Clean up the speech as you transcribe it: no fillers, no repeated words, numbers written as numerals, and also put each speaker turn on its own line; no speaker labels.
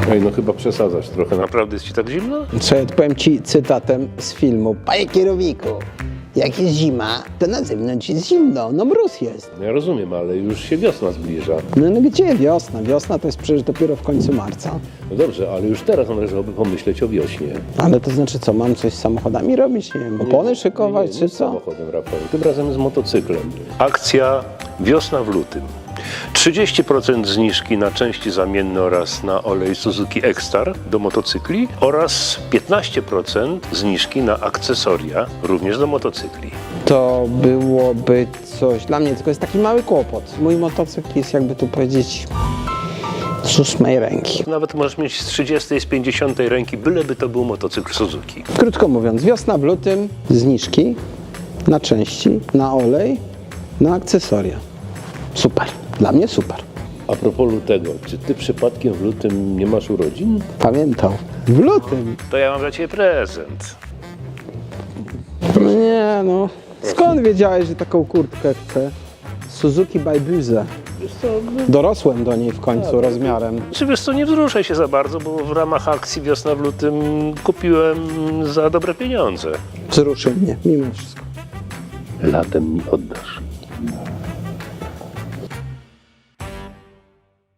Ej, no chyba przesadzasz trochę. Naprawdę jest ci tak zimno?
Co ja powiem ci cytatem z filmu. Panie kierowniku, jak jest zima, to na zewnątrz jest zimno, no mróz jest.
Ja rozumiem, ale już się wiosna zbliża.
No gdzie wiosna? Wiosna to jest przecież dopiero w końcu marca.
No dobrze, ale już teraz należałoby pomyśleć o wiośnie.
Ale to znaczy co, mam coś z samochodami robić? Nie wiem, opony szykować czy
nie z
co?
samochodem, Rafał. Tym razem z motocyklem. Akcja Wiosna w lutym. 30% zniżki na części zamienne oraz na olej Suzuki X-Star do motocykli oraz 15% zniżki na akcesoria również do motocykli.
To byłoby coś dla mnie, tylko jest taki mały kłopot. Mój motocykl jest, jakby tu powiedzieć, z 8 ręki.
Nawet możesz mieć z 30, z 50 ręki, byleby to był motocykl Suzuki.
Krótko mówiąc, wiosna w lutym, zniżki na części, na olej, na akcesoria. Super. Dla mnie super.
A propos lutego, czy ty przypadkiem w lutym nie masz urodzin?
Pamiętał. W lutym?
To ja mam dla ciebie prezent.
No nie no. Skąd wiedziałeś, że taką kurtkę chcę? Suzuki by Buze.
Wiesz co,
Dorosłem do niej w końcu rozmiarem.
czy wiesz co, nie wzruszaj się za bardzo, bo w ramach akcji Wiosna w lutym kupiłem za dobre pieniądze.
Wzruszy mnie, mimo wszystko.
Latem mi oddasz.